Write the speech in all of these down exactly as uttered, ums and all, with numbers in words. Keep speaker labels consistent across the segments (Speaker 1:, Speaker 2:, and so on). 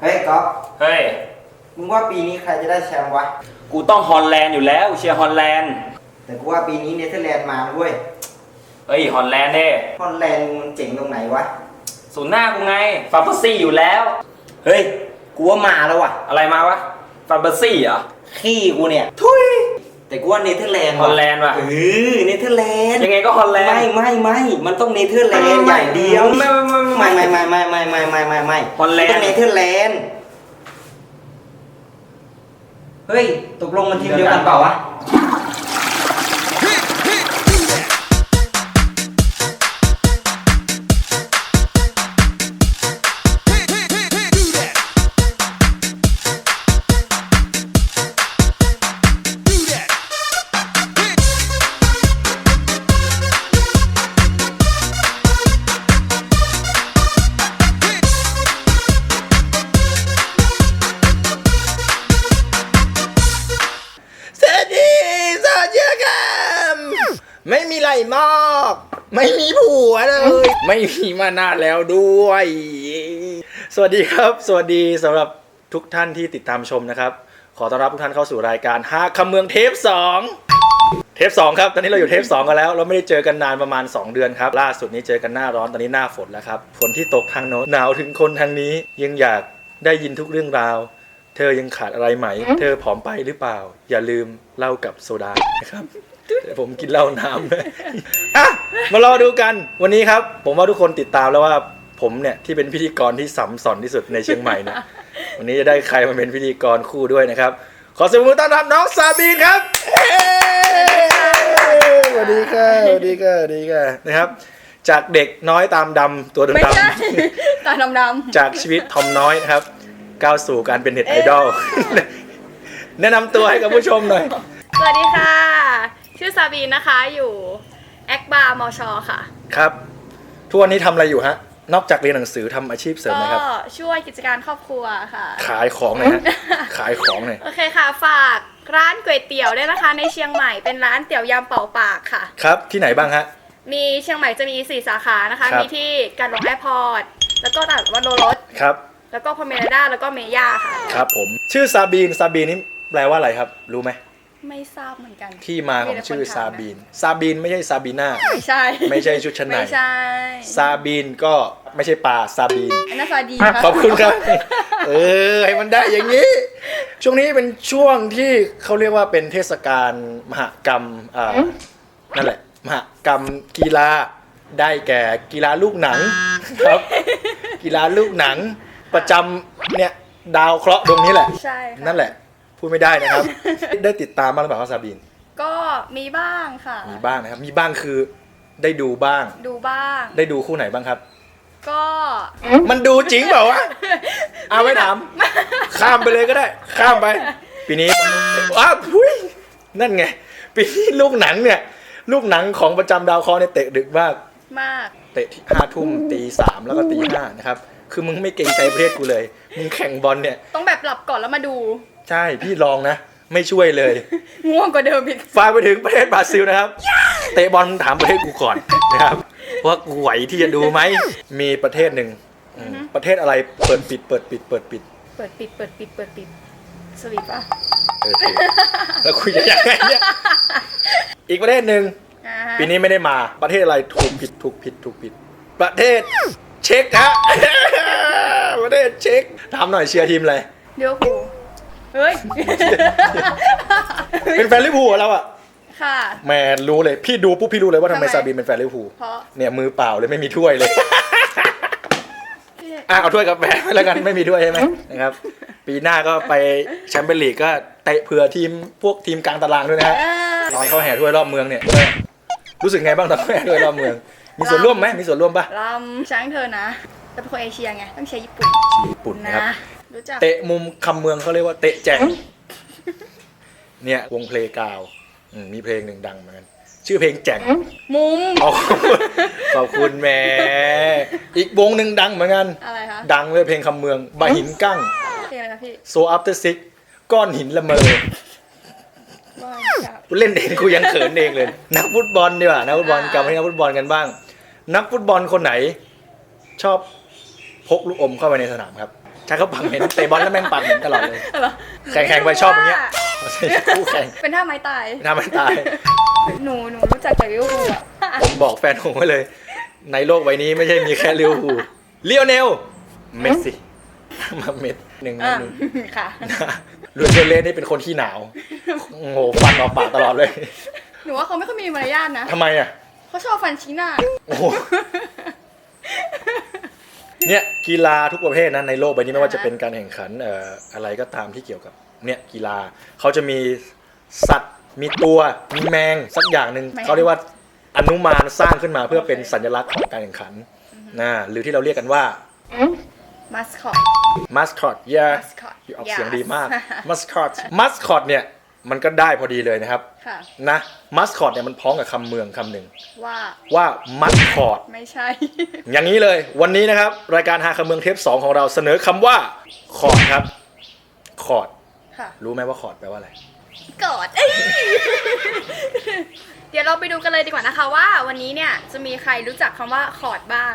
Speaker 1: ฮ้ยก๊อฟ
Speaker 2: เฮ้ย
Speaker 1: มึงว่าปีนี้ใครจะได้แชมป์วะ
Speaker 2: กูต้องฮอลแลนด์อยู่แล้วเชียร์ฮอลแลนด์
Speaker 1: แต่กูว่าปีนี้เนเธอร์แลนด์มาด้วย
Speaker 2: เฮ้ยฮอลแลนด์เด้
Speaker 1: ฮอลแลนด์มันเจ๋งตรงไหนวะ
Speaker 2: ศูนย์หน้ากูไงฟาเบอร์ซี่อยู่แล้ว
Speaker 1: เฮ้ยกูว่ามาแล้ววะ
Speaker 2: อะไรมาวะฟาเบอร์ซี่เหรอ
Speaker 1: ขี้กูเนี่ยทุยแต่กูว่าเนเธอร์แลนด์
Speaker 2: ฮอลแลนด์ว่ะ
Speaker 1: เออเนเธอร์แลนด์
Speaker 2: ยังไงก็ฮอลแลนด์
Speaker 1: ไม่ไม่ไม่มันต้องเนเธอร์แลนด์อย่างเดียว
Speaker 2: ไม่
Speaker 1: ไม่ไม่ไม่ไม่ไม่ไม่ไม่ไม่ไม่
Speaker 2: ฮอลแลนด์
Speaker 1: ต้องเนเธอร์แลนด์เฮ้ยตกลงมันทีมเดียวกันเปล่าวะ
Speaker 3: ไม่มีไรมากไม่มีผัวเลยไม่มีมานานแล้วด้วยสวัสดีครับสวัสดีสำหรับทุกท่านที่ติดตามชมนะครับขอต้อนรับทุกท่านเข้าสู่รายการหาคำเมืองเทปสองเทปสองครับตอนนี้เราอยู่เทปสองกันแล้วเราไม่ได้เจอกันนานประมาณสองเดือนครับล่าสุดนี้เจอกันหน้าร้อนตอนนี้หน้าฝนแล้วครับฝนที่ตกทางโน้นหนาวถึงคนทางนี้ยังอยากได้ยินทุกเรื่องราวเธอยังขาดอะไรไหมเธอผอมไปหรือเปล่าอย่าลืมเหล้ากับโซดานะครับแต่ผมกินเหล้าน้ำเลยอ่ะมารอดูกันวันนี้ครับผมว่าทุกคนติดตามแล้วว่าผมเนี่ยที่เป็นพิธีกรที่สัมสอนที่สุดในเชียงใหม่เนี่ยวันนี้จะได้ใครมาเป็นพิธีกรคู่ด้วยนะครับขอเสียงปรบมือต้อนรับน้องซาบีนครับสวัสดีค่ะสวัสดีค่ะสวัสดีค่ะนะครับจากเด็กน้อยตามดำตัวดำดำ
Speaker 4: ตาดำดำ
Speaker 3: จากชีวิตทอมน้อยนะครับก้าวสู่การเป็นเน็ตไอดอลแนะนำตัวให้กับผู้ชมหน่อย
Speaker 4: สวัสดีค่ะชื่อซาบีนนะคะอยู่แอคบาร์มอชอค่ะ
Speaker 3: ครับทุกวันนี้ทำอะไรอยู่ฮะนอกจากเรียนหนังสือทำอาชีพเสริมไหมครับ
Speaker 4: ก็ช่วยกิจการครอบครัวค่ะ
Speaker 3: ขายของหน่อยฮะขายของหน่อย
Speaker 4: โอเคค่ะฝากร้านก๋วยเตี๋ยวด้วยนะคะในเชียงใหม่เป็นร้านเตี๋ยวยำเป่าปากค่ะ
Speaker 3: ครับที่ไหนบ้างฮะ
Speaker 4: มีเชียงใหม่จะมีสี่สาขานะคะมีที่การหลงแอร์พอร์ตแล้วก็ตลาดวัดโลรส
Speaker 3: ครับ
Speaker 4: แล้วก็พอเมราด้าแล้วก็เมย่าค่ะ
Speaker 3: ครับผมชื่อซาบีนซาบีนนี่แปลว่าอะไรครับรู้ไหม
Speaker 4: ไม่ทราบเหมือนกัน
Speaker 3: ที่มาของชื่อซาบีนซาบีนไม่ใช่ซาบีน่า
Speaker 4: ไม่ใช่
Speaker 3: ไม่ใช่ชุดชั้นใน
Speaker 4: ไม่ใช่
Speaker 3: ซาบีนก็ไม่ใช่ปลาซาบีน
Speaker 4: อันนั้นซาดีน
Speaker 3: ขอบคุณครับเออให้มันได้อย่างนี้ช่วงนี้เป็นช่วงที่เขาเรียกว่าเป็นเทศกาลมหกรรมอ่านั่นแหละมหกรรมกีฬาได้แก่กีฬาลูกหนังครับกีฬาลูกหนังประจำเนี่ยดาวเคราะห์ดวงนี้แหละ
Speaker 4: ใช่
Speaker 3: นั่นแหละพูดไม่ได้นะครับได้ติดตามบ้างหรือเปล่าครับซาบีน
Speaker 4: ก็มีบ้างค่ะ
Speaker 3: มีบ้างนะครับมีบ้างคือได้ดูบ้าง
Speaker 4: ดูบ้าง
Speaker 3: ได้ดูคู่ไหนบ้างครับ
Speaker 4: ก็
Speaker 3: มันดูจริงเปล่าวะเอาไม่ถามข้ามไปเลยก็ได้ข้ามไปปีนี้อ้าวพุ้ยนั่นไงปีนี้ลูกหนังเนี่ยลูกหนังของประจำดาวเคราะห์เนี่ยเตะดึกมาก
Speaker 4: มาก
Speaker 3: เตะห้าทุ่มตีสามแล้วก็ตีห้านะครับคือมึงไม่เกรงใจประเทศกูเลยมึงแข่งบอลเนี่ย
Speaker 4: ต้องแบบหลับก่อนแล้วมาดู
Speaker 3: ใช่พี่ลองนะไม่ช่วยเลย
Speaker 4: ง่วงกว่าเดิมอีก
Speaker 3: ฝากไปถึงประเทศบราซิลนะครับเตะบอลถามประเทศกูก่อนนะครับว่ากูไหวที่จะดูไหมมีประเทศหนึ่งประเทศอะไรเปิดปิดเปิดปิดเปิดปิด
Speaker 4: เปิดปิดเปิดปิดเปิดปิดสวิตป่ะ
Speaker 3: แล้วคุยยังไงเนี่ยอีกประเทศหนึ่งปีนี้ไม่ได้มาประเทศอะไรถูกผิดถูกผิดถูกผิดประเทศเช็กฮะประเทศเช็กถามหน่อยเชียร์ทีมอะไร
Speaker 4: เดี๋ยวกูเฮ้ย
Speaker 3: เป็นแฟนลิเวอร์พูลแล้วอ่ะ
Speaker 4: ค่ะ
Speaker 3: แม่รู้เลยพี่ดูปุ๊บพี่รู้เลยว่าทำไมซาบีนเป็นแฟนลิเวอร์พูลเนี่ยมือเปล่าเลยไม่มีถ้วยเลยอ่ะเอาถ้วยกาแฟแล้วกันไม่มีถ้วยใช่ไหมนะครับปีหน้าก็ไปแชมเปี้ยนลีกก็เตะเผื่อทีมพวกทีมกลางตารางด้วยนะฮะตอนเขาแห่ถ้วยรอบเมืองเนี่ยรู้สึกไงบ้างตอนเขาแห่ถ้วยรอบเมืองมีส่วนร่วมไหมมีส่วนร่วมป่ะ
Speaker 4: ลำช้างเธอนะแต่เป็นคนเอเชียไงต้องใช้ญี่ปุ่น
Speaker 3: ญี่ปุ่นนะครับ
Speaker 4: เ
Speaker 3: ตะมุมคำเมืองเขาเรียกว่าเตะแจงเนี่ยวงเพลงกาวมีเพลงหนึ่งดังเหมือนกันชื่อเพลงแจง
Speaker 4: มุม
Speaker 3: ขอบคุณแม่อีกวงหนึ่งดังเหมือนกัน
Speaker 4: อะไรคะ
Speaker 3: ดังเลยเพลงคำเมืองบะหินกั้ง
Speaker 4: เพลงอะไรคะพี่
Speaker 3: โซอัพเตอร์ซิกก้อนหินละเมอเล่นเองกูยังเขินเองเลยนักฟุตบอลดีกว่านักฟุตบอลกลับมาที่นักฟุตบอลกันบ้างนักฟุตบอลคนไหนชอบพกลูกอมเข้าไปในสนามครับใช่เขาปากเหม็นเตะบอลแล้วแม่งปากเหม็นตลอดเลย
Speaker 4: เหรอ
Speaker 3: แข่งๆไปชอบอย่างเงี้ยคู่แข่ง
Speaker 4: เป็นท่าไม้ตาย
Speaker 3: ทำมันตาย
Speaker 4: หนูหนูรู้จักจากลิเวอร์พูลอะ
Speaker 3: ผมบอกแฟนผมไว้เลย ในโลกใบนี้ไม่ใช่มีแค่ลิเวอร์พูลเลียวเนลเมสซี่มาเม็ดหนึ่ง
Speaker 4: อ่ะ
Speaker 3: หนึ่ง
Speaker 4: ค่ะ
Speaker 3: ลูเซเลสนี่เป็นคนขี้หนาวโอ้โหฟันออกปากตลอดเลย
Speaker 4: หนูว่าเขาไม่ค่อยมีมารยาทนะ
Speaker 3: ทำไมอ่ะ
Speaker 4: เขาชอบฟันชี้หน้า
Speaker 3: โอ้โหเนี่ยกีฬาทุกประเภทนะในโลกใบนี้ไม่ว่าจะเป็นการแข่งขันเอ่ออะไรก็ตามที่เกี่ยวกับเนี่ยกีฬาเขาจะมีสัตว์มีตัวมีแมงสักอย่างหนึ่ง
Speaker 4: แมง
Speaker 3: เขาเรียกว่าอนุมานสร้างขึ้นมาเพื่อเป็นสัญลักษณ์ของการแข่งขันนะหรือที่เราเรียกกันว่า
Speaker 4: มัสคอต
Speaker 3: มัสคอตเย่
Speaker 4: mascot
Speaker 3: ออกเสียง
Speaker 4: yes
Speaker 3: ดีมากมัสคอตมัสคอตเนี่ยมันก็ได้พอดีเลยนะครับ
Speaker 4: ค่ะ
Speaker 3: นะมัสคอตเนี่ยมันพ้องกับคำเมืองคำหนึ่ง
Speaker 4: ว่า
Speaker 3: ว่ามัสคอต
Speaker 4: ไม่ใช่
Speaker 3: อย่างนี้เลยวันนี้นะครับรายการหาคำเมืองเทปสองของเราเสนอคำว่าคอร์ดครับคอร์ด
Speaker 4: ค่ะ
Speaker 3: รู้ไหมว่าคอร์ดแปลว่าอะไร
Speaker 4: กอดเอ้ย เดี๋ยวเราไปดูกันเลยดีกว่านะคะว่าวันนี้เนี่ยจะมีใครรู้จักคำว่าคอร์ดบ้าง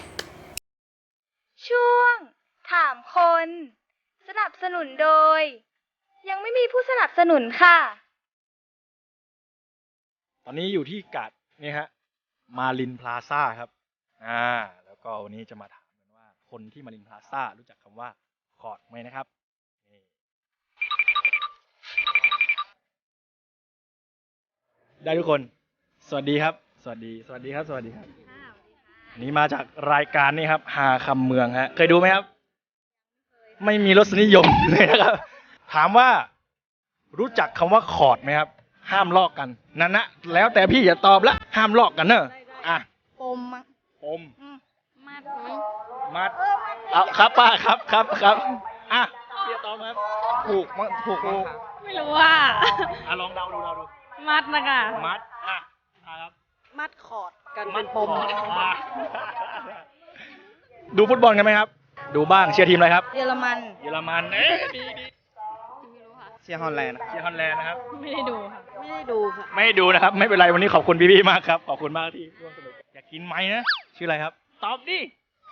Speaker 4: ช่วง ถามคน สนับสนุนโดย ยังไม่มีผู้สนับสนุนค่ะ
Speaker 3: ตอนนี้อยู่ที่กาดนี่ฮะมารินพลาซ่าครับอ่าแล้วก็วันนี้จะมาถามกันว่าคนที่มารินพลาซ่ารู้จักคำว่าคอร์ดไหมนะครับนี่ได้ทุกคนสวัสดีครับสวัสดีสวัสดีครับสวัสดีครับอันนี้มาจากรายการนี่ครับหาคำเมืองฮะเคยดูไหมครับไม่มีรสนิยมเลยนะครับถามว่ารู้จักคำว่าคอร์ดไหมครับห้ามลอกกันนั่นนะแล้วแต่พี่อย่าตอบละห้ามลอกกันเนอะอ่ะ
Speaker 4: ปมมั้ง
Speaker 3: ปม
Speaker 4: มาดมั้ง
Speaker 3: มัดเอาครับป้าครับครับครับอ่ะพี่จะตอบครับถูกมั้งถูกมั้ง
Speaker 5: ไม่รู้ว่า
Speaker 3: อ่ะลองเดาดูเดาดู
Speaker 5: มัดนะคะ
Speaker 3: มัดอ่ะอ่ะครับ
Speaker 5: มัดคอร์ดกัน
Speaker 3: มั
Speaker 5: เป็
Speaker 3: ด
Speaker 5: นปม
Speaker 3: อ่ะดูฟุตบอลกันไหมครับ ดูบ้างเชียร์ทีมอะไรครับ
Speaker 5: เยอรมัน
Speaker 3: เยอรมันเอ๊ะดีดี
Speaker 5: ไม่รู้ค่ะ
Speaker 6: เชียร์ฮอลแลนด์
Speaker 3: เชียร์ฮอลแลนด์นะครับ
Speaker 5: ไม่ได้ดูค่ะ ไม่ได้ดูค่ะ
Speaker 3: ไม่ดูนะครับ ไม่เป็นไรวันนี้ขอบคุณพี่พี่ๆมากครับขอบคุณมากที่ร่วมสนุกอยากกินไหมนะชื่ออะไรครับ ตอบดิ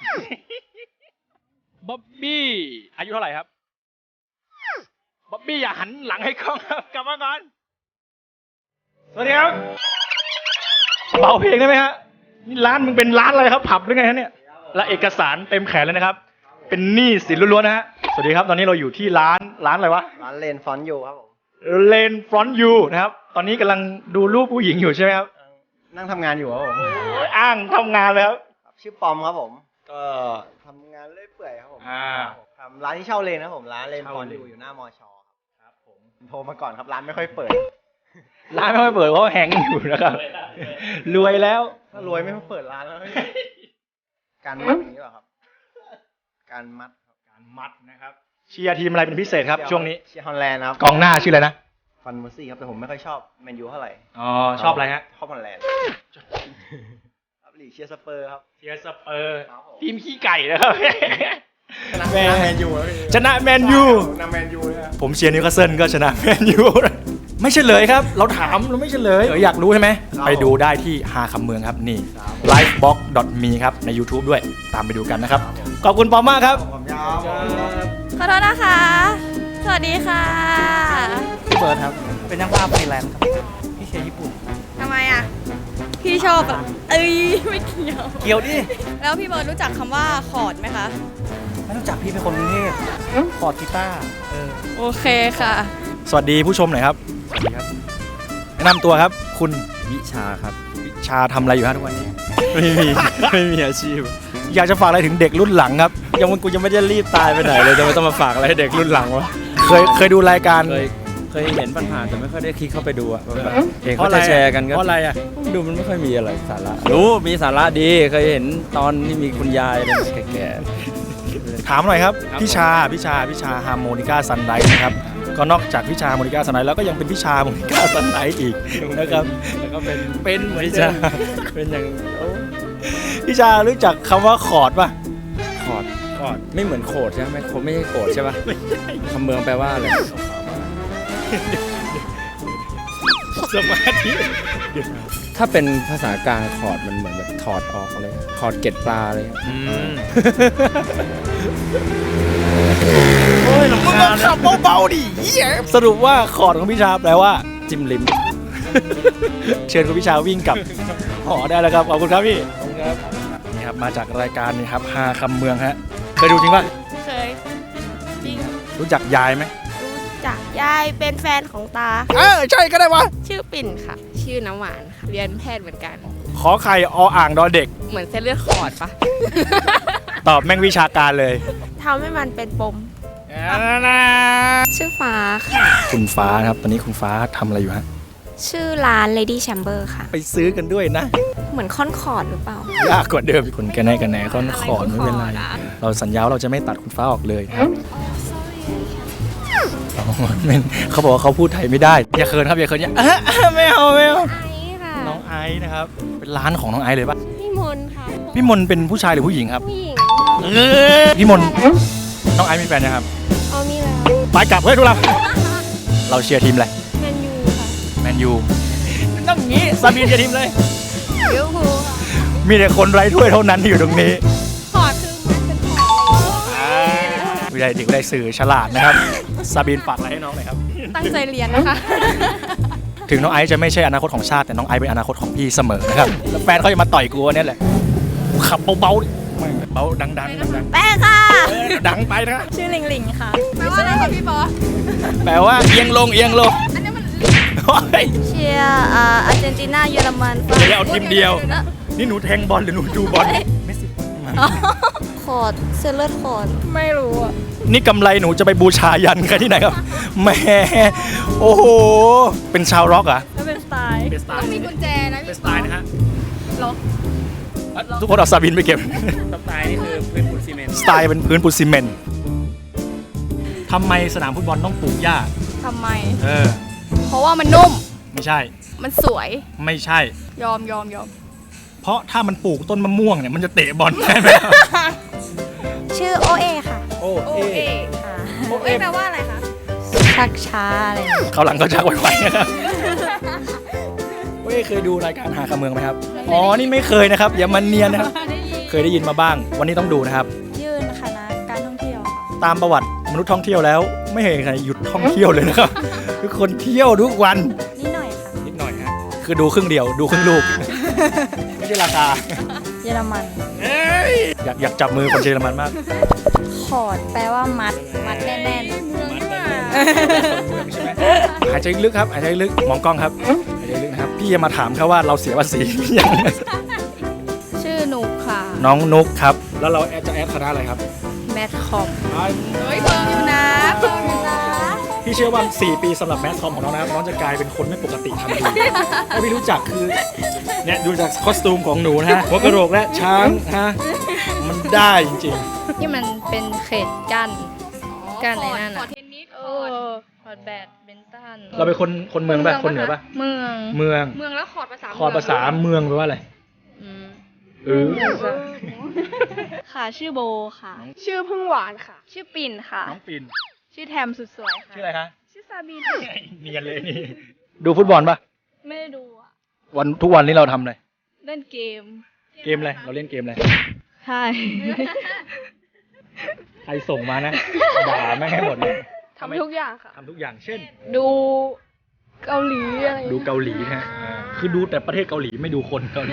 Speaker 3: บ๊อบบี้อายุเท่าไหร่ครับบ๊อบบี้อย่าหันหลังให้กล้องครับกลับมาก่อนสวัสดีครับเบาเพลงได้ไหมฮะนี่ร้านมึงเป็นร้านอะไรครับผับหรือไงฮะเนี่ยและเอกสารเต็มแขนเลยนะครับ เป็นหนี้สินล้วนๆนะฮะสวัสดีครับตอนนี้เราอยู่ที่ร้านร้านอะไรวะ
Speaker 6: ร้านเลนฟอนต์อยู่ครับผม
Speaker 3: เลนฟรอนต์ยูนะครับตอนนี้กำลังดูรูปผู้หญิงอยู่ใช่ไหมครับ
Speaker 6: นั่งทำงานอยู่ครับผม
Speaker 3: โอ้ยอ้างทำงานแล้ว
Speaker 6: ครับชื่อปอมครับผม ก็ทำงานเรื่อยเปื่อยครับผม
Speaker 3: อ่า
Speaker 6: ทำร้านที่เช่าเลนครับผม ร้านเลนฟอนต์
Speaker 3: เช่าเลน
Speaker 6: อยู่อยู่หน้ามอชอครับผมโทรมาก่อนครับ ร้านไม่ค่อยเปิด
Speaker 3: ร้านไม่ค่อยเปิดเพราะแฮงอยู่นะครับ รวยแล้ว
Speaker 6: ถ้ารวยไม่ค่อยเปิดร้านแล้ว การมัดอย่างนี้เหรอครับ การมัดครับ
Speaker 3: การมัดนะครับเชียร์ทีมอะไรเป็นพิเศษครับ ช่วงนี้
Speaker 6: เชียร์ฮอลแลนด์ครับ
Speaker 3: กองหน้าชื่ออะไรนะ
Speaker 6: ฟันเมอร์ซี่ครับแต่ผมไม่ค่อยชอบแมนยูเท่าไหร่
Speaker 3: อ๋อชอบอะไรฮะ
Speaker 6: ชอบฮอลแลนด์ครับลีกเชียร์สเปอร์ครับ
Speaker 3: เชียร์สเปอร์
Speaker 6: ครับผม
Speaker 3: ทีมขี้ไก่นะครับ
Speaker 6: ชนะแมนยูครับ
Speaker 3: ชนะแมนยู
Speaker 6: ชนะแมนยูเลยครับ
Speaker 3: ผมเชียร์นิวคาสเซิลก็ชนะแมนยูไม่เฉลยครับ เราถามเราไม่เฉลยเอออยากรู้ใช่ไหมไปดูได้ที่หาคำเมืองครับนี่ ไลฟ์บ็อกซ์ ดอท มี ครับใน YouTube ด้วยตามไปดูกันนะครับ ขอบคุณปอมมากครับ
Speaker 6: ผมยาว
Speaker 4: ขอโทษนะคะ สวัสดีค่ะ
Speaker 7: พี่เบิร์ดครับ เป็นนักภาพฟรีแลนซ์ครับ พี่เชียร์ญี่ปุ่น
Speaker 4: ทำไมอ่ะ พี่ชอบอ่ะ เอ้ย ไม่เกี่ยว
Speaker 7: เกี่ยวดิ
Speaker 4: แล้วพี่เบิร์ดรู้จักคำว่าคอร์ดไหมคะ
Speaker 7: ไม่รู้จักพี่เป็นคนกรุงเทพคอร์ดกีตาร์เออ
Speaker 4: โอเคค่ะ
Speaker 3: สวัสดีผู้ชมหน่อยครับ
Speaker 7: สวัสดีครับ
Speaker 3: แนะนำตัวครับ คุณ
Speaker 7: วิชาครับ
Speaker 3: วิชาทำอะไรอยู่ฮะทุกวันนี้
Speaker 7: ไม่มี ไม่มีอาชีพ
Speaker 3: อยากจะฝากอะไรถึงเด็กรุ่นหลังครับ
Speaker 7: ยังมันกูยังไม่ได้รีบตายไปไหนเลยจะไม่ต้องมาฝากอะไรให้เด็กรุ่นหลังวะ
Speaker 3: เคยเคยดูรายการ
Speaker 7: เคยเคยเห็นผ่านๆแต่ไม่ค่อยได้คลิกเข้าไปดูอะแบบเห็น
Speaker 3: เพราะ
Speaker 7: เขา
Speaker 3: อะไร
Speaker 7: จะแชร์กันก็
Speaker 3: เพราะอะไรอ่ะ
Speaker 7: ดูมันไม่ค่อยมีอะไรสาระรู้มีสาระดีเคยเห็นตอนที่มีคุณยายอะไรแก่
Speaker 3: ถามหน่อยครับ
Speaker 7: ครับ
Speaker 3: พี่ชาพี่ชาพี่ชาฮาร์โมนิก้าซันไดนะครับก็นอกจากพี่ชาฮาร์โมนิก้าซันไดแล้วก็ยังเป็นพี่ชาฮาร์โมนิก้าซันไดอีก
Speaker 7: ๆ
Speaker 3: นะครับ
Speaker 7: แล้วก็เป็น
Speaker 3: เป็นเหมือน
Speaker 7: วิ
Speaker 3: เดิ
Speaker 7: ชาม เป็นอย่างโอ้
Speaker 3: พี่ชารู้จักคำว่าคอร์ดป่ะ
Speaker 7: คอร์ดคอร์ดไม่เหมือนโขดใช่ไหมโขดไม่ใช่โขดใช่ปะคำเมืองแปลว่าอะไร
Speaker 3: สมาธิ
Speaker 7: ถ้าเป็นภาษากลางคอร์ดมันเหมือนแบบถอดออกเลยถอดเกล็ดปลาเลย
Speaker 3: อืมโอ้ยมึงก็ขับเบาๆดิเหี้ยสรุปว่าคอร์ดของพี่ชาแปลว่าจิ้มลิ้ม เชิญคุณพี่ชาวิ่งกลับหอได้แล้วครับขอบคุณครับพี่ขอบคุณครับนี่ครับมาจากรายการนี่ครับฮาคำเมืองฮะเคยดูจริงป่ะ
Speaker 8: เคยจริง
Speaker 3: รู้จักยายไหม
Speaker 8: รู้จักยายเป็นแฟนของตา
Speaker 3: เออใช่ก็ได้วะ
Speaker 8: ชื่อปิ่นค่ะ ชื่อน้ำหวานค่ะ เรียนแพทย์เหมือนกัน
Speaker 3: ขอไข่ออ่างดอเด็ก
Speaker 8: เหมือนเส้นเลือดขอดปะ
Speaker 3: ตอบแม่งวิชาการเลย
Speaker 8: ทำให้มันเป็นปม ชื่อฟ้าค่ะ
Speaker 3: คุณฟ้านะครับตอนนี้คุณฟ้าทำอะไรอยู่ฮะ
Speaker 8: ชื่อร้าน Lady Chamber ค่ะ
Speaker 3: ไปซื้อกันด้วยนะ
Speaker 8: เหมือนค่อนคอร์ดหรือเปล่า
Speaker 3: ยากกว่าเดิมคุณกันแน่กันแน่ค่อนขอนไม่เป็นไร
Speaker 8: อะไรค่อนขอดอะ
Speaker 3: เราสัญญาว่าเราจะไม่ตัดคุณฟ้าออกเลยนะครับอ๋อไม่เขาบอกว่าเขาพูดไทยไม่ได้อย่าเขินครับอย่าเขินอย่า อ่ะอ่ะไม่เอาไม่เอา
Speaker 8: ไอซ์ค่ะ
Speaker 3: น้องไอซ์นะครับเป็นร้านของน้องไอซ์เลยปะ
Speaker 8: พี่มนต์ค่ะ
Speaker 3: พี่มนเป็นผู้ชายหรือผู้หญิงครับ
Speaker 8: ผู้หญิง
Speaker 3: เออพี่มนน้องไอซ์มีแฟนยังครับ
Speaker 8: เอามีแล้ว
Speaker 3: ไปกลับเฮ้ยทุกเราเราเชียร์ทีมอะไร
Speaker 8: แมนยูค่ะ
Speaker 3: แมนยูต้องงี้ซาบีนเชียร์ทีมเลย
Speaker 8: เลี้ยวภูค่ะ
Speaker 3: มีแต่คนไร้ถ้วยเท่านั้นที่อยู่ตรงนี้
Speaker 8: ขอดคือมันเป็นขอด
Speaker 3: วิทยาเด็กได้สื่อฉลาดนะครับซาบีนฝากอะไรให้น้องหน่อยครับ
Speaker 8: ตั้งใจเรียนนะคะ
Speaker 3: ถึงน้องไอซ์จะไม่ใช่อนาคตของชาติแต่น้องไอซ์เป็นอนาคตของพี่เสมอนะครับแล้วแฟนเขาจะมาต่อยกูเนี่ยแหละขับเบาๆดิไม่เบาดังๆดัง
Speaker 8: แป้งค่ะ
Speaker 3: ๆเออดังไปนะ
Speaker 8: ชื่อลิงลิงค่ะแปลว่าอะไรคะพี่บอส
Speaker 3: แปลว่าเอียงลงเอียงลงโอ้ย
Speaker 8: เชียร์อ่าอาร์เจนตินาเยอรมัน
Speaker 3: เดี๋ยวเอาทีมเดียว นี่หนูแทงบอลหรือหนูดูบอลไม่สิ
Speaker 8: คอร์ดเซเลอร์คอร์ดไม่รู้อ่ะ
Speaker 3: นี่กำไรหนูจะไปบูชายันกันที่ไหนครับแหมโอ้โหเป็นชาวร็อกเหรอ
Speaker 8: ก็เป็นสไตล์
Speaker 3: เป็นสไตล์
Speaker 8: ต้องมีกุญแจนะ
Speaker 3: เป็น
Speaker 8: พี่
Speaker 3: สไตล์นะฮะ
Speaker 8: ล็อก
Speaker 3: ทุกคนเอาซาบินไปเก็บ
Speaker 2: สไตล์นี่คือพื้นปูนซีเมนต์
Speaker 3: สไตล์เป็นพื้นปูนซีเมนต์ทำไมสนามฟุตบอลต้องปลูกหญ้า
Speaker 8: ทำไม
Speaker 3: เออ
Speaker 8: เพราะว่ามันนุ่ม
Speaker 3: ไม่ใช่
Speaker 8: มันสวย
Speaker 3: ไม่ใช่
Speaker 8: ยอมยอมยอม
Speaker 3: เพราะถ้ามันปลูกต้นมะม่วงเนี่ยมันจะเตะบอลได้ไหม
Speaker 8: ชื่อโอเอค่ะ
Speaker 3: โอ้เอ
Speaker 8: ค่ะ
Speaker 3: โอเอ
Speaker 8: แปลว่าอะไรคะชักช้าอะไร
Speaker 3: เขาวหลังก็ชักไวๆนะครับโอ้เอเคยดูรายการหาคำเมืองไหมครับ อ๋อ นี่ไม่เคยนะครับ อย่ามันเนียนนะครับ เคยได้ยินมาบ้าง วันนี้ต้องดูนะครับ
Speaker 8: ยื่นคณะการท่องเที่ยวค่ะ
Speaker 3: ตามประวัติมนุษย์ท่องเที่ยวแล้ว ไม่เห็นใครหยุดท่องเที่ยวเลยนะครับ ทุกคนเที่ยวทุกวัน
Speaker 8: นิดหน่อยค่ะ
Speaker 3: นิดหน่อยฮะ คือดูครึ่งเดียว ดูครึ่งลูก ไม่ใช่ราคา
Speaker 8: เยอรมัน
Speaker 3: เอ้ยอยากอยากจับมือคนเยอรมันมาก
Speaker 8: คอร์ดแปลว่ามัด มัดแน่น
Speaker 3: เมืองใช่ไหมหายใจลึกครับ หายใจลึก มองกล้องครับ หายใจลึกนะครับ พี่จะมาถามแค่ว่าเราเสียภาษีหรือยัง
Speaker 8: ๆ ชื่อนุกค่ะ
Speaker 3: น้องนุกครับ แล้วเราแอดจะแอดคณะอะไรครับ
Speaker 8: แมทคอมเฮ้ยเพิ่มอยู่นะเพิ่มอยู่นะ
Speaker 3: พี่เชื่อว่าสี่ปีสำหรับแมสคอมของน้องนะครับน้องจะกลายเป็นคนไม่ปกติทันทีถ้าพี่รู้จักคือเนี่ยดูจากคอสตูมของหนูนะฮะหัวกระโหลกและช้างฮะมันได้จริง
Speaker 8: ที่มันเป็นเขตกั้นกั้นไอ้นั่น
Speaker 5: คอ
Speaker 8: อ่ะ
Speaker 5: ร์ดเทนนิส
Speaker 8: เอ
Speaker 5: คอร์ด
Speaker 8: อคอร์ดแบดเบนตัน
Speaker 3: ๆเราเป็นคนคนเมืองป่ะคนเหนือป่ะ
Speaker 8: เมือง
Speaker 3: เมือง
Speaker 5: เมืองแล้วคอร์ดภาษา
Speaker 3: คอร์ดภาษาเมืองแปลว่าอะไร
Speaker 8: อืม
Speaker 3: เออ
Speaker 5: ค่ะชื่อโบค่ะ ชื่อพึ่งหวานค่ะ
Speaker 8: ชื่อปิ่นค่ะ
Speaker 3: น้องปิ่น
Speaker 5: ชื่อแทมสุดสวยค่ะ
Speaker 3: ชื่ออะไรคะ
Speaker 5: ชื่อซาบีน
Speaker 3: เนียนเลยนี่ดูฟุตบอลป่ะ
Speaker 5: ไม่ได้ดูอ่ะ
Speaker 3: วันทุกวันนี้เราทำอะไร
Speaker 5: เล่นเกม
Speaker 3: เกมอะไรเราเล่นเกมอะไร
Speaker 5: ใช่
Speaker 3: ใครส่งมานะด่าแม่งให้หมดเลย
Speaker 5: ทำทุกอย่างค่ะ
Speaker 3: ทำทุกอย่างเช่น
Speaker 5: ดูเกาหลีอะไร
Speaker 3: ดูเกาหลีนะฮะอ่าคือดูแต่ประเทศเกาหลีไม่ดูคนเกาหลี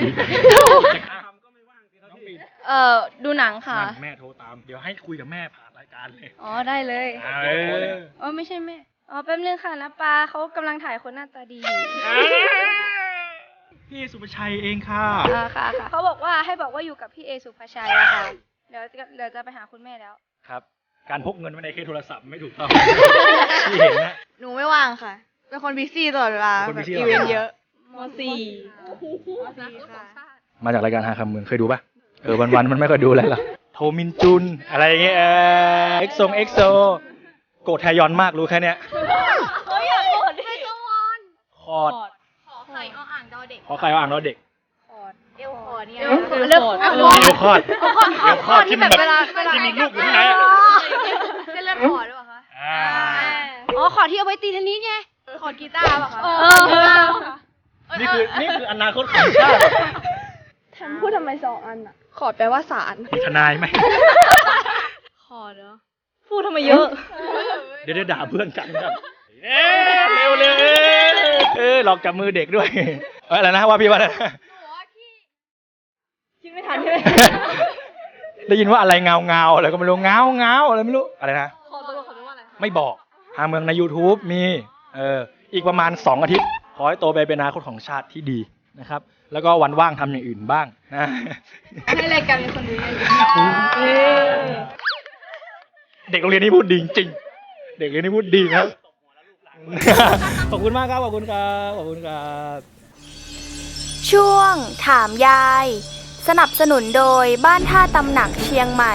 Speaker 8: เอ่อดูหนังค่ะ
Speaker 3: นั่นแม่โทรตาม เดี๋ยวให้คุยกับแม่ผ่านรายการเลย
Speaker 8: อ๋อได้เลย
Speaker 3: เออ
Speaker 8: อ๋อไม่ใช่แม่ อ๋อแป๊บนึงค่ะนะปาเขากำลังถ่ายคนหน้าตาดีอยู่
Speaker 3: พี่สุภชัยเองค่ะ
Speaker 8: อ่าค่ะค่ะเขาบอกว่าให้บอกว่าอยู่กับพี่เอสุภาชัยอะค่ะ เดี๋ยวจะเดี๋ยวจะไปหาคุณแม่แล้ว
Speaker 3: ครับ การพกเงินไว้ในเคสโทรศัพท์ไม่ถูกต้อง พี่เห็นนะ
Speaker 5: หนูไม่ว่างค่ะ เป็นคนบิซี่ตลอดเวลา
Speaker 3: เป็นคน
Speaker 5: แบบ
Speaker 3: busy
Speaker 5: อีเวนต์เยอะมสี่ค่ะ
Speaker 3: มาจากรายการหาคำเมืองเคยดูปะเออวันๆมันไม่ค่อยดูแล้วหรอโทมินจุนอะไรอย่างเงี้ยเออเอ็กซงเอ็กโซโกรธแทยอนมากรู้แค่เนี้ย
Speaker 8: เขาอยากกดให้สวอน
Speaker 3: คอร์ด
Speaker 8: ขอไข่ออ่างดอเด็ก
Speaker 3: ขอใครเอาอ่างเราเด็ก
Speaker 8: เอลคอเนี่ย
Speaker 5: เอวคอเลือก
Speaker 3: เอวคอร์ดเอวคอร์ดที่มันแบบที่มีลูกอยู่ข้างในอะ
Speaker 8: เส้นเลือดขอดหรือเปล่าคะ
Speaker 3: อ่า
Speaker 8: อ๋อขอที่เอาไว้ตีเทนนิสไงขอกีตาร์ป่ะคะ
Speaker 5: เออ
Speaker 3: นี่คือนี่คืออนาคตของชาติ
Speaker 5: แทมพูดทำไมสองอันอ่ะ ขอดแปลว่าสาร
Speaker 3: มีทนายไหม
Speaker 5: ขอดเหรอ พูพูดทำไมเยอะ
Speaker 3: เดี๋ยวเดี๋ยวด่าเพื่อนกันครับเอ๊ะเร็วเร็วเอ๊ะเออหลอกจับมือเด็กด้วยเอ้ยอะไรนะว่าพี่ว่าอะไรนะ
Speaker 5: คิดไม่ทันใช่ไหม
Speaker 3: ได้ยินว่าอะไรเงาเงาอะไรก็ไม่รู้เงาเงาอะไรไม่รู้อะไรนะ
Speaker 5: ขอตัวเขาว่าอะไร
Speaker 3: ไม่บอกหาเมืองใน YouTube มีเอออีกประมาณสองอาทิตย์ขอให้โตไปเป็นอนาคตของชาติที่ดีนะครับ แล้วก็วันว่างทำอย่างอื่นบ้างนะ
Speaker 5: ให้รายการมีคนดูเยอะ
Speaker 3: เด็กโรงเรียนนี้พูดดีจริงเด็กโรงเรียนนี้พูดดีครับ ขอบคุณมากครับขอบคุณครับขอบคุณครับ
Speaker 4: ช่วงถามยาย สนับสนุนโดยบ้านท่าตำหนักเชียงใหม่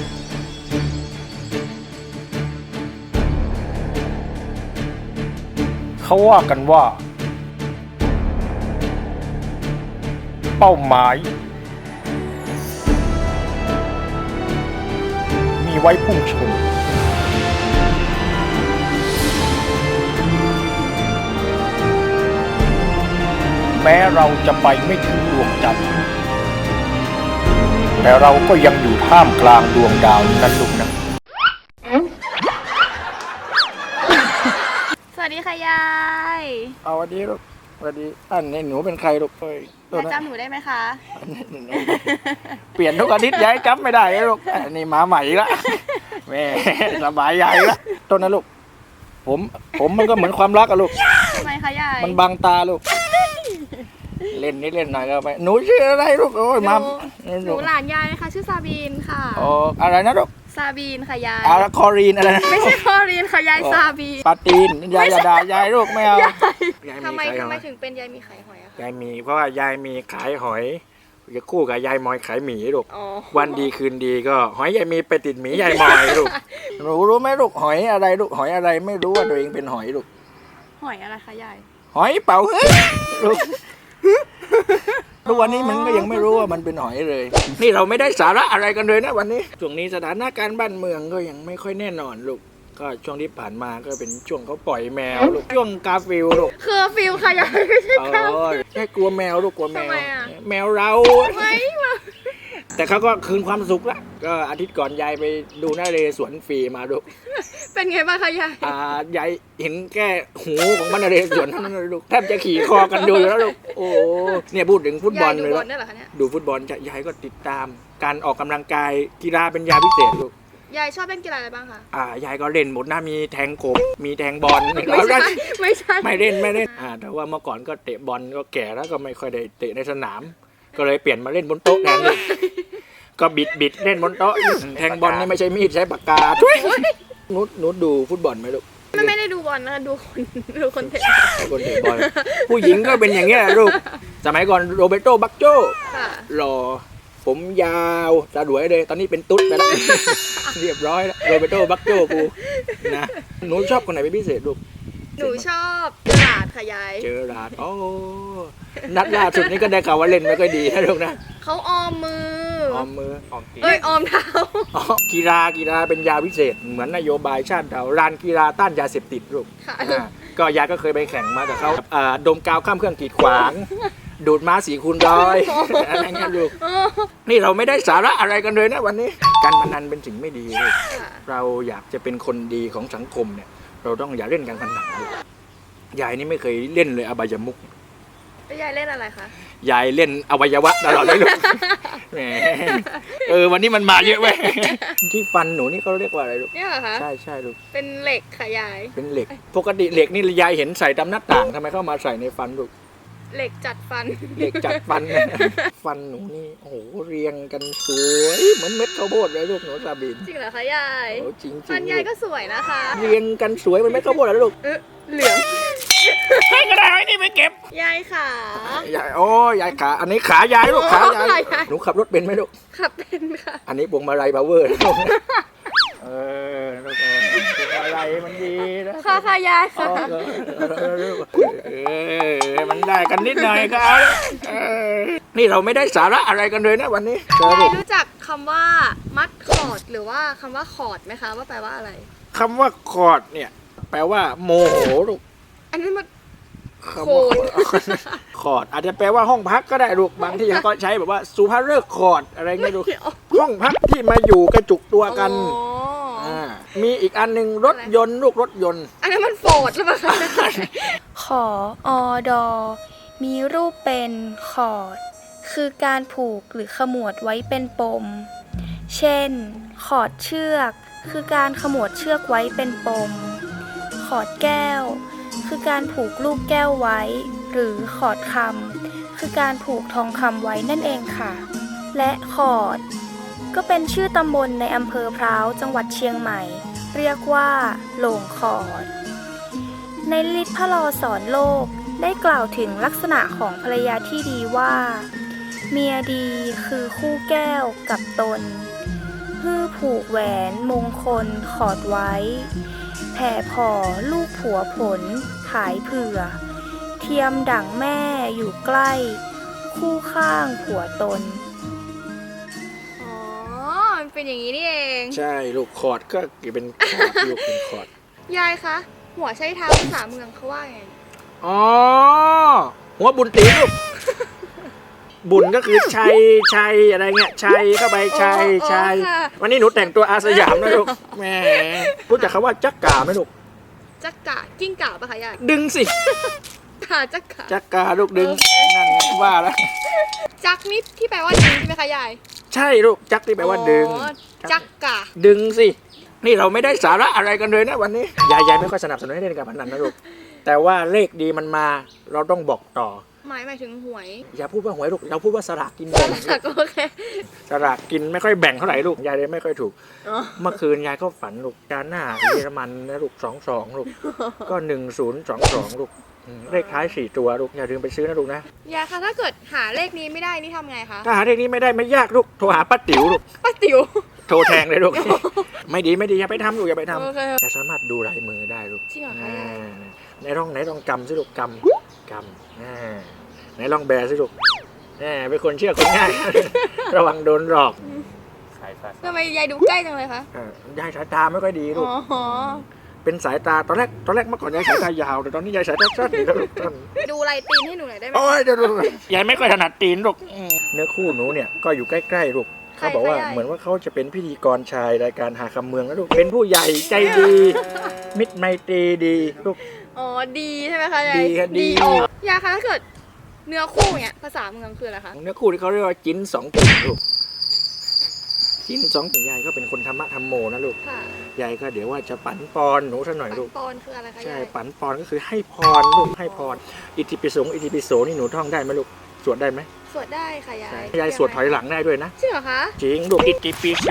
Speaker 3: เขาว่ากันว่า เป้าหมาย มีไว้พุ่งชนแม้เราจะไปไม่ถึงดวงจันทร์แต่เราก็ยังอยู่ท่ามกลางดวงดาวนั่นลูกนะ
Speaker 8: สวัสดีค่ะยาย
Speaker 3: เอาวันนี้ลูกวันนี้อันนี้หนูเป็นใครลูกเอ้ยตัวย
Speaker 8: าย
Speaker 3: นั้น
Speaker 8: จำหนูได้ไหมคะ
Speaker 3: เปลี่ยนทุกอาทิตย์ย้ายจำไม่ได้เลยลูกอันนี้มาใหม่ละแม่สบายใหญ่ละต้นนะลูกผมผมมันก็เหมือนความรักอะลูก
Speaker 8: ทำไมคะยาย
Speaker 3: มันบังตาลูก เล่นนิดเล่นหน่อยก็ไปหนูชื่ออะไรลูกโอ้ยมา
Speaker 8: หนูหลานยายนะคะ ชื่อซาบีนค่ะ
Speaker 3: โอ้อะไรนะลูก
Speaker 8: ซาบีนค่ะยาย
Speaker 3: อาราคอรีนอะไรนะ
Speaker 8: ไม่ใช่คอรีนค่ะยายซาบีน
Speaker 3: ปาตีนยายอย่าด่ายายลูกไม่เอายาย
Speaker 8: ทำไม
Speaker 3: ขาย
Speaker 8: ทำ
Speaker 3: ห
Speaker 8: ไม
Speaker 3: อย
Speaker 8: ถึงเป็นยายมีไข่หอยอะคะ
Speaker 3: ยายมีเพราะว่ายายมีขายหอยจะคู่กับยายมอยขายหมีลูก
Speaker 8: อ๋อ
Speaker 3: วันดีคืนดีก็หอยยายมีไปติดหมียายมอยลูกหนูรู้ไหมลูกหอยอะไรลูกหอยอะไรไม่รู้ว่าตัวเองเป็นหอยลูก
Speaker 8: หอยอะไรคะยาย
Speaker 3: หอยเป่าเฮ้ยลูกทุกวันนี้มันก็ยังไม่รู้ว่ามันเป็นหอยเลย นี่เราไม่ได้สาระอะไรกันเลยนะวันนี้ช่วงนี้สถานการณ์บ้านเมืองก็ยังไม่ค่อยแน่นอนลูกก็ช่วงที่ผ่านมาก็เป็นช่วงเขาปล่อยแมวลูกช่วงกาฟิลลูก
Speaker 8: เคอร์ฟิวค่ะยายไม่ใช่
Speaker 3: เอ
Speaker 8: ค่ะ
Speaker 3: อแค่กลัวแมวลูกกลัวแมว
Speaker 8: ทำไมอะ
Speaker 3: แมวเรา
Speaker 8: ไม่มา
Speaker 3: แต่เขาก็คืนความสุขละก็อาทิตย์ก่อนยายไปดูหน้าเรสวนฟรีมาดู
Speaker 8: เป็นไงบ้างคะยาย
Speaker 3: อ่ายายเห็นแค่หูของมันเรสวนเท่านั้นเลยลูกแทบจะขี่คอกันดูอยู่แล้วลูกโอ้เนี่ยพูดถึงฟุตบอล
Speaker 8: ยายดู
Speaker 3: เลย
Speaker 8: บอ
Speaker 3: แล้
Speaker 8: ล
Speaker 3: ว
Speaker 8: ได้เหรอคะเนี่ย
Speaker 3: ดูฟุตบอลจะยายก็ติดตามการออกกำลังกายกีฬาเป็นยาพิเศษลูก
Speaker 8: ยายชอบเล่นกีฬาอะไรบ้างคะ
Speaker 3: อ่ายายก็เล่นหมดนะมีแทงกบมีแทงบอล
Speaker 8: ไม่ใช่ไม่ใช่
Speaker 3: ไม่เล่นไม่เล่นอ่าแต่ว่าเมื่อก่อนก็เตะบอลก็แก่แล้วก็ไม่ค่อยได้เตะในสนาม ก็เลยเปลี่ยนมาเล่นบนโต๊ะแทนลูก ก็บิดบิดเล่นบนโต๊ะแทงบอลนี่ไม่ใช่มีดใช้ปากกาช่วยนุชนุชดูฟุตบอลไหมลูก
Speaker 8: ไม่ไม่ได้ดูบอลนะคะดูคนดูคนเตะ
Speaker 3: คนเตะบอลผู้หญิงก็เป็นอย่างเงี้ยลูกสมัยก่อนโรเบโตบักโจ
Speaker 8: ค่ะ
Speaker 3: หล่อผมยาวสะดวยเลยตอนนี้เป็นตุ๊ดไปแล้ว เรียบร้อยแล้วโรเบโตบักโจกูนะหนูชอบคนไหนเป็นพิเศษลูก
Speaker 8: หนูชอบตลาดค่ะยาย
Speaker 3: เจอราดโอ้นัดล่าสุดนี้ก็ได้ข่าวว่าเล่นไม่ค่อยดีนะลูกนะ
Speaker 8: เขาออมมือ
Speaker 3: ออมมือออมตีน
Speaker 8: เอ้ยออมเท้า
Speaker 3: อ๋อกีฬากีฬาเป็นยาพิเศษเหมือนนโยบายชาติเราร้านกีฬาต้านยาเสพติดลูก
Speaker 8: ค่ะ
Speaker 3: อ่าก็ยายก็เคยไปแข่งมาแต่เขาอ่าดมกาวข้ามเครื่องกีดขวาง ดูดม้าสีคูณร้อยอะไรเงี้ยลูกนี่เราไม่ได้สาระอะไรกันเลยนะวันนี้ การพนันเป็นสิ่งไม่ดีลูก
Speaker 8: ค่ะ
Speaker 3: เราอยากจะเป็นคนดีของสังคมเนี่ย เราต้องอย่าเล่นการพนันลูกยายนี่ไม่เคยเล่นเลยอบายมุก
Speaker 8: แล้วยายเล่นอะไรคะ
Speaker 3: ยายเล่นอวัยวะตลอดเลยลูก แหมเออวันนี้มันมาเยอะเว้ย ที่ฟันหนูนี่เขาเรียกว่าอะไรลูก
Speaker 8: เนี่ยเหรอคะ
Speaker 3: ใช่ใช่ลูก
Speaker 8: เป็นเหล็กค่ะยาย
Speaker 3: เป็นเหล็ก ปกติเหล็กนี่ยายเห็นใส่ตามหน้าต่างทำไมเข้ามาใส่ในฟันลูก
Speaker 8: เหล็กจัดฟัน
Speaker 3: เหล็กจัดฟัน ฟันหนูนี่โอ้โหเรียงกันสวยเหมือนเม็ดข้าวโพดเลยลูกหนูซาบิน
Speaker 8: จริงเหรอคะยาย
Speaker 3: โอ้จริงจริ
Speaker 8: ฟั
Speaker 3: ง
Speaker 8: นยายก็สวยนะคะ
Speaker 3: เรียงกันสวยเหมือนเม็ดข้าวโพดเลยลูก
Speaker 8: เออเหลือง
Speaker 3: ให้ก็ได้ไอ้นี่ไปเก็บ
Speaker 8: ยายค่ะ
Speaker 3: ยายโอ้ยายขาอันนี้ขายายลูกขายาย
Speaker 8: ขายาย
Speaker 3: หนูขับรถเป็นไหมลูก
Speaker 8: ขับเป็นค่ะ
Speaker 3: อันนี้พวงมาลัยพาวเวอร์ลูกเออลูกเออพวงมาลัยมันดีนะ
Speaker 8: ค่ะค่ะยายค่ะ
Speaker 3: เออมันได้กันนิดหน่อยก็เอาเออนี่เราไม่ได้สาระอะไรกันเลยนะวันนี้
Speaker 8: ยายรู้จักคำว่ามัดคอร์ดหรือว่าคำว่าคอร์ดไหมคะว่าแปลว่าอะไร
Speaker 3: คำว่าคอร์ดเนี่ย แปลว่าโมโหลูก
Speaker 8: อันนี้มัน
Speaker 3: คำว่าคอร์ดอาจจะแปลว่าห้องพักก็ได้ลูกบางที่ยังก็ใช้แบบว่าสุภาพฤกษ์คอร์ดอะไรเงี้ยลูกห้องพักที่มาอยู่กระจุกตัวกัน
Speaker 8: อ๋อ
Speaker 3: อ่ามีอีกอันหนึ่งรถยนต์ลูกรถยนต์
Speaker 5: อันนั้นมันโฟดหรือเปล่าคะ
Speaker 4: ขออดอ มีรูปเป็นขอด คือการผูกหรือขมวดไว้เป็นปม เช่น ขอดเชือก คือการขมวดเชือกไว้เป็นปม ขอดแก้ว คือการผูกลูกแก้วไว้ หรือขอดคำคือการผูกทองคำไว้นั่นเองค่ะ และขอด ก็เป็นชื่อตำบลในอำเภอพร้าวจังหวัดเชียงใหม่ เรียกว่าโหลงขอด ในลิศพระลอสอนโลกได้กล่าวถึงลักษณะของภรรยาที่ดีว่า เมียดีคือคู่แก้วกับตนฮื้อผูกแหวนมงคลขอดไว้ แผ่พอลูกผัวผลขายเผื่อ เทียมดั่งแม่อยู่ใกล้ คู่ข้างผัวตน
Speaker 5: อ๋อ มันเป็นอย่างนี้นี่เอง
Speaker 3: ใช่ลูกคอร์ดก็เป็นคอร์ดลูกเป็นคอร์ด
Speaker 5: ยายคะ หัวใช้เท้าภาษาเมืองเขาว่าไง
Speaker 3: อ๋อหัวบุญตีลูก บุญก็คือชัยชัยอะไรเงี้ยชัยเข้าไปชัย
Speaker 5: อ๋อ
Speaker 3: ชัย
Speaker 5: ค่ะ
Speaker 3: วันนี้หนูแต่งตัวอาสยามนะลูกแหมรู้จักคำว่าจักกาไหมลูก
Speaker 5: จักกะกิ้งก่าปะคะยาย
Speaker 3: ดึงสิ
Speaker 5: ค่ะจักกะ
Speaker 3: จักกาลูกดึงนั่นไงว่าแล้ว
Speaker 5: จักนี่ที่แปลว่าดึงใช่ไหมคะยาย
Speaker 3: ใช่ลูกจักที่แปลว่าดึง
Speaker 5: อ๋อจักกะ
Speaker 3: ดึงสิ นี่เราไม่ได้สาระอะไรกันเลยนะวันนี้ยายยายไม่ค่อยสนับสนุนให้เล่นการพนันนะลูกแต่ว่าเลขดีมันมาเราต้องบอกต่อ
Speaker 5: หมายหมายถึงหวย
Speaker 3: อย่าพูดว่าหวยลูกเราพูดว่าสลากกินแบ่ง
Speaker 5: ค่ะก็โอเค
Speaker 3: สลากกินไม่ค่อยแบ่งเท่าไหร่ลูกยายเลยไม่ค่อยถูก
Speaker 5: อ๋อ
Speaker 3: เมื่อคืนยายก็ฝันลูกจานหน้าเยอรมันนะลูกสองสองลูกก็หนึ่งศูนย์สองสองลูกอืมเลขท้ายสี่ตัวลูกอย่าลืมไปซื้อนะลูกนะ
Speaker 5: ยายคะถ้าเกิดหาเลขนี้ไม่ได้นี่ทำไงคะ
Speaker 3: ถ้าหาเลขนี้ไม่ได้ไม่ยากลูกโทรหาป้าติ๋วลูก
Speaker 5: ป้าติ๋ว
Speaker 3: โทรแทงเลยลูก ไม่ดีไม่ดีอย่าไปทำลูกอย่าไปทำ
Speaker 5: โอเค
Speaker 3: จะสามารถดูลายมือได้ลูก
Speaker 5: จริงเหรอคะ
Speaker 3: อ่าไหนลองไหนลองกำสิลูกกำกำอ่าไหนลองแบสิลูกแหมเป็นคนเชื่อคนง่าย ระวังโดนหลอก
Speaker 2: สายฟ้า
Speaker 5: ทำไมยายดูใกล้จังเลยคะ
Speaker 3: อ่ายายสายตาไม่ค่อยดีลูก
Speaker 5: อ๋อ
Speaker 3: เป็นสายตาตอนแรกตอนแรกเมื่อก่อนยายสายตายาวแต่ตอนนี้ยายสายตาสั้นแล้วลูกสั้น
Speaker 5: ดูลายตีนให้หนูหน่อยได้ไหม
Speaker 3: โอ้ยเดี๋ยวดูยายไม่ค่อยถนัดตีนลูกอืมเนื้อคู่หนูเนี่ยก็อยู่ใกล้ๆลูกเขาบอกว่าเหมือนว่าเขาจะเป็นพิธีกรชายรายการหาคำเมืองนะลูกเป็นผู้ใหญ่ใจดี มิตรไมตรีดีลูก
Speaker 5: อ๋อ ดีใช่ไหมคะยาย
Speaker 3: ดีค่ะดี
Speaker 5: ยายคะถ้าเกิดเนื้อคู่เนี่ยภาษาเมืองคืออะไรคะ
Speaker 3: เนื้อคู่ที่เขาเรียกว่าจิ้นสองกิ่งลูกจิ้นสองกิ่งยายก็เป็นคนธรรมะธรรมโมนะลูก
Speaker 5: ค่ะ
Speaker 3: ยายก็เดี๋ยวว่าจะปั่นปอนหนูซะหน่อย
Speaker 5: ปัน
Speaker 3: ลูก
Speaker 5: ปอนคืออะไรคะ
Speaker 3: ใช่
Speaker 5: ยาย
Speaker 3: ปั่นปอนก็คือให้พรลูกให้พรอิติปิโสอิติปิโสนี่หนูท่องได้ไหมลูกสวดได้ไหม
Speaker 5: สวดได้ค่ะยาย
Speaker 3: ยายสวดถอยหลังได้ด้วยนะ
Speaker 5: จริงเหรอคะ
Speaker 3: จริงลูกอิติปิโส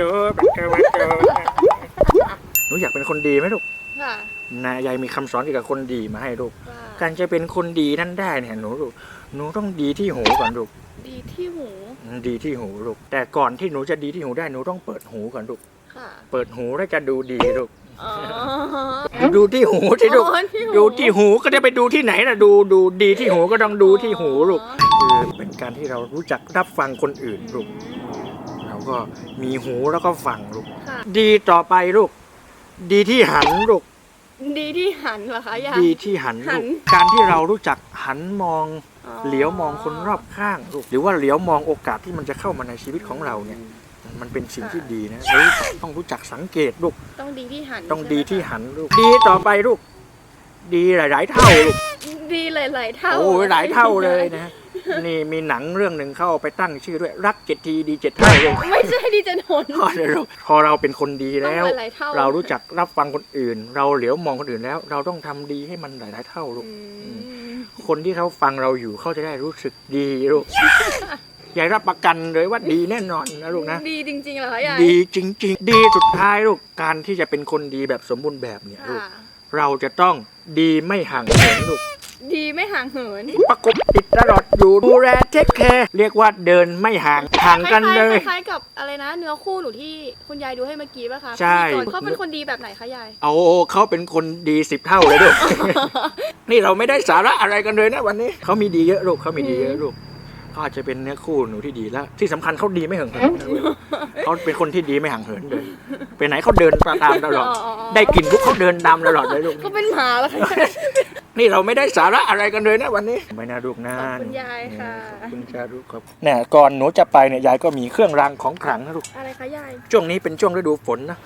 Speaker 3: หนูอยากเป็นคนดีไหมลูก
Speaker 5: ค่ะ
Speaker 3: นะยายมีคำสอนเกี่ยวกับคนดีมาให้ลูก
Speaker 5: ว่า
Speaker 3: การจะเป็นคนดีนั้นได้เนี่ยหนูลูกหนูต้องดีที่หูก่อนลูก
Speaker 5: ดีที่หู
Speaker 3: ดีที่หูลูกแต่ก่อนที่หนูจะดีที่หูได้หนูต้องเปิดหูก่อนลูก
Speaker 5: ค่ะ
Speaker 3: เปิดหูแล้วจะดูดีลูก
Speaker 5: อ๋อ
Speaker 3: ดูที่หูที่ลูก
Speaker 5: อ๋อที่หู
Speaker 3: ดูที่หูก็จะไปดูที่ไหนล่ะดูดูดีที่หูก็ต้องดูที่หูลูกคือเป็นการที่เรารู้จักรับฟังคนอื่นลูกเราก็มีหูแล้วก็ฟังลูก
Speaker 5: ค่ะ
Speaker 3: ดีต่อไปลูก ดีที่หันลูก
Speaker 5: ดีที่หันเหรอคะยาย
Speaker 3: ดีที่หัน
Speaker 5: หั
Speaker 3: ลู
Speaker 5: น
Speaker 3: กการที่เรารู้จักหันมอง
Speaker 5: อ๋อ
Speaker 3: เหลียวมองคนรอบข้างลูกหรือว่าเหลียวมองโอกาสที่มันจะเข้ามาในชีวิตของเราเนี่ยมันเป็นสิ่งที่ดีนะเราต้องรู้จักสังเกตลูก
Speaker 5: ต้องดีที่หัน
Speaker 3: ต้องดีที่
Speaker 5: ใช่ไหม
Speaker 3: หันลูกดีต่อไปลูก ดีหลาย ๆ เท่าลูก
Speaker 5: คะดีหลายๆเท่า
Speaker 3: โอ้ยหลายเท่าเลยนะนี่มีหนังเรื่องหนึ่งเข้าไปตั้งชื่อด้วยรักเจ็ดทีดีเจ็ดเท่าลูก
Speaker 5: ไม่ใช่ดีจะโดน
Speaker 3: พอเลยลูกพอเราเป็นคนดีแล้ว
Speaker 5: ต้องหลายๆเท่า
Speaker 3: เรารู้จักรับฟังคนอื่น เราเหลียวมองคนอื่นแล้ว เราต้องทำดีให้มันหลาย ๆ เท่าลูก
Speaker 5: อืม
Speaker 3: คนที่เขาฟังเราอยู่เขาจะได้รู้สึกดีลูก ยายรับประกันเลยว่าดีแน่นอนนะลูกนะ
Speaker 5: ดีจริงๆเหรอคะยาย
Speaker 3: ดีจริง ๆ ดีสุดท้ายลูกการที่จะเป็นคนดีแบบสมบูรณ์แบบเนี่ยลูก
Speaker 5: ค่ะ เรา
Speaker 3: เราจะต้องดีไม่ห่างเหินลูก
Speaker 5: ดีไม่ห่างเหิน
Speaker 3: ประกบติดตลอดอยู่ดูแลเทคแคร์เรียกว่าเดินไม่ห่างห่างกันเลย
Speaker 5: คล้ายๆกับอะไรนะ เนื้อคู่หนูที่คุณยายดูให้เมื่อกี้ป่ะคะ
Speaker 3: ใช่
Speaker 5: พิธีกรเขาเป็นคนดีแบบไหนคะยาย
Speaker 3: เอาเขาเป็นคนดีสิบเท่าเลยลูก นี่เราไม่ได้สาระอะไรกันเลยนะวันนี้เขามีดีเยอะลูกเขามีดีเยอะลูกเขาอาจจะเป็นเนื้อคู่หนูที่ดีแล้ว ที่สำคัญเขาดีไม่ห่างเหินนะลูกเขาเป็นคนที่ดีไม่ห่างเหินเลยไปไหนเขาเดินตามตลอด
Speaker 5: อ๋ออ๋ออ๋อ
Speaker 3: ได้กลิ่นปุ๊บเขาเดินตามตลอดเลยลูก
Speaker 5: ก็เป็นหมาแล้วค่ะ
Speaker 3: นี่เราไม่ได้สาระอะไรกันเลยนะวันนี้ไม่น่าลูกนะ
Speaker 5: ขอบคุณยายค่ะ
Speaker 3: ขอบคุณจ้าลูกครับเนี่ยก่อนหนูจะไปเนี่ยยายก็มีเครื่องรางของขลังนะลูก
Speaker 5: อะไรคะยาย
Speaker 3: ช่วงนี้เป็นช่วงฤดูฝนนะ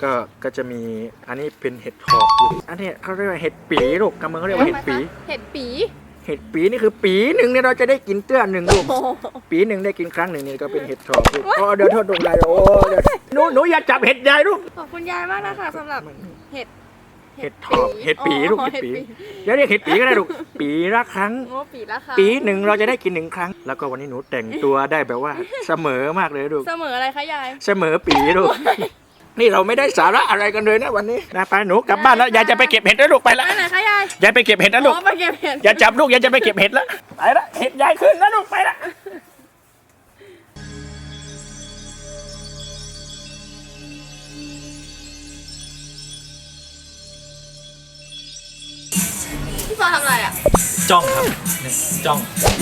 Speaker 3: ก็ก็จะมีอันนี้เป็นเห็ดถอบอันนี้เขาเรียกว่าเห็ดปีลูกกำเมืองเขาเรียกว่าเห็ดปี
Speaker 5: เห็ดปี
Speaker 3: เห็ดปีนี่คือปีหนึ่งเนี่ยเราจะได้กินเตื้อหนึ่งลูกปีหนึ่งได้กินครั้งหนึ่งนี่ก็เป็นเห็ดถอบลูกอ๋อเดี๋ยวโทษลูกยายโอ้เดี๋ยวหนูหนูอย่าจับเห็ดยายลูก
Speaker 5: ขอบคุณยายมากนะคะสำหรับเห็ด
Speaker 3: เห็ดถอบเห็ดปีลูกเห็ดปีเดี๋ยวเรียกเห็ดปีก็ได้ลูกปีละครั้ง
Speaker 5: โอ้ปีละค่ะ
Speaker 3: ปีหนึ่งเราจะได้กินหนึ่งครั้ง แล้วก็วันนี้หนูแต่งตัวได้แบบว่าเสมอมากเลยลูก
Speaker 5: เสมออะไรคะยาย
Speaker 3: เสมอปีลูกนี่เราไม่ได้สาระอะไรกันเลยนะวันนี้นะไปหนูกลับบ้านแล้วยายจะไปเก็บเห็ดแล้วลูกไปละ
Speaker 5: ไปไหนคะยาย
Speaker 3: ยายไปเก็บเห็ดแล้วลูก
Speaker 5: อ๋อไปเก็บเห็ด
Speaker 3: อย่าจับลูกยายจะไปเก็บเห็ดแล้วไปละเห็ดยายขึ้นแล้วลูกไปละ
Speaker 5: พี่ฟ้าทำอะไรอ่ะ
Speaker 3: จ้องครับนี่จ้อง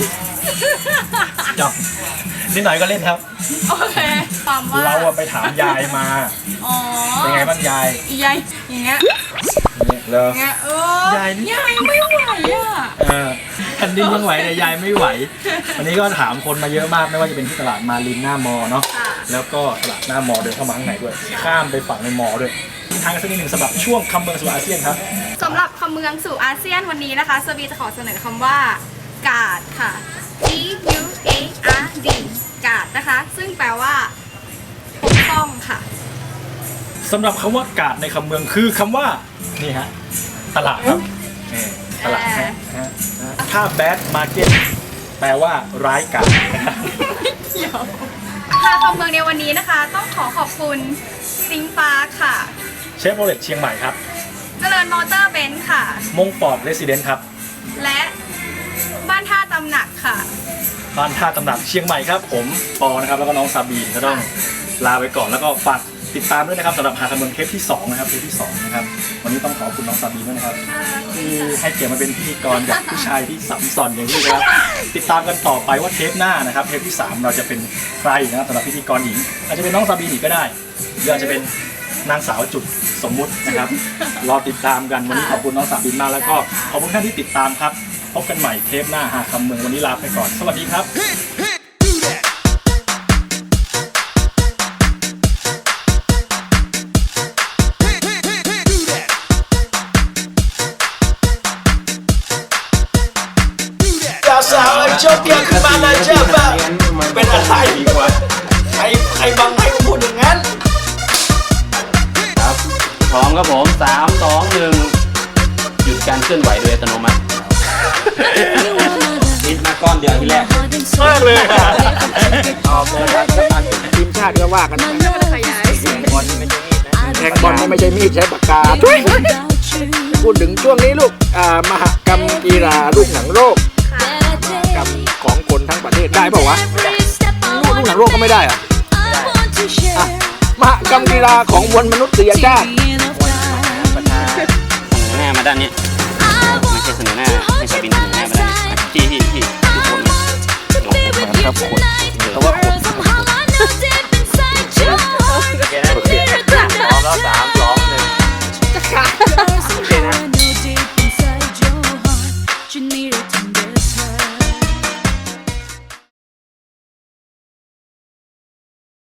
Speaker 3: จ้องนิดหน่อยก็เล่นครับ
Speaker 5: โอเคความว่า
Speaker 3: เราอะไปถามยายมา
Speaker 5: อ๋อ
Speaker 3: เป็นไงบ้างยาย
Speaker 5: อียายอย่างเงี้ย
Speaker 3: เหรอ
Speaker 5: อย่างเงี้ยเออย
Speaker 3: ายนี่
Speaker 5: ยายไม่ไหวอ่ะ
Speaker 3: เออแผ่นดินยังไหวแต่ยายไม่ไหว วันนี้ก็ถามคนมาเยอะมากไม่ว่าจะเป็นที่ตลาดมารินหน้ามอเนาะ
Speaker 5: ค่ะ
Speaker 3: แล้วก็ตลาดหน้ามอเดินเข้ามาข้างในด้วย ข้ามไปฝั่งในมอด้วยทางสักนิดหนึ่งสำหรับช่วงคำเมืองสู่อาเซียนครับ
Speaker 5: สำหรับคำเมืองสู่อาเซียนวันนี้นะคะสวีจะขอเสนอคำว่ากาดค่ะ G U A R D กาดนะคะ ซึ่งแปลว่าปกป้องค่ะ
Speaker 3: สำหรับคำว่ากาดในคำเมืองคือคำว่านี่ฮะตลาดครับนี่ตลาดฮะฮะถ้า bad market แปลว่าร้ายกาจ
Speaker 5: ค่ะคำเมืองในวันนี้นะคะ ต้องขอขอบคุณซิงปาร์คค่ะ
Speaker 3: เชฟโรเลตเชียงใหม่ครับ
Speaker 5: เจริญมอเตอร์เบนซ์ค่ะ
Speaker 3: มงปอดเรสซิเดนต์ครับ
Speaker 5: และบ้านท่าตำหนักค่ะ
Speaker 3: บ้านท่าตำหนักเชียงใหม่ครับผมปอนะครับแล้วก็น้องซาบีนก็ต้องลาไปก่อนแล้วก็ฝากติดตามด้วยนะครับสำหรับหาคำเมืองเทปที่สองนะครับเทปที่สองนะครับวันนี้ต้องขอบคุณน้องซาบีนด้วยนะครับที่ให้เกียรติมาเป็นพิธีกรกับผู้ชายที่สัมสอนอย่างนี้นะครับติดตามกันต่อไปว่าเทปหน้านะครับเทปที่สามเราจะเป็นใครนะครับสำหรับพิธีกรหญิงอาจจะเป็นน้องซาบีนอีกก็ได้หรืออาจจะเป็นนางสาวจุดสมมุตินะครับรอติดตามกันวันนี้ขอบคุณน้องซาบีนมากแล้วก็ขอบคุณท่านที่ติดตามครับพบกันใหม่เทปหน้าหาคำเมืองวันนี้ลาไปก่อนสวัสดีครับ สาวไอ้โจ๊กเกียร์ขึ้นมานะเจ้าป่ะเป็นอะไรใครใครบังให้พูดอย่างนั้น
Speaker 2: ครับ พร้อมครับผมสามสองหนึ่งหยุดการเคลื่อนไหวโดยอัตโนมัติ
Speaker 1: นิดมาก้อนเดียวทีแรก
Speaker 3: มากเลยค่ะออกเลยครับทีมชาติก็ว่ากันแทงบอลไม่ใช่มีดนะแทงบอลไม่ใช่มีดใช้ปากกาพูดถึงช่วงนี้ลูกอ่ามหกรรมกีฬาลูกหนังโลกกับของคนทั้งประเทศได้เปล่าวะลูกหนังโลกก็ไม่ได้อะอ่ะมหกรรมกีฬาของมวลมนุษยชาติ
Speaker 2: เสนอหน้ามาด้านนี้ ไม่ใช่เสนอหน้า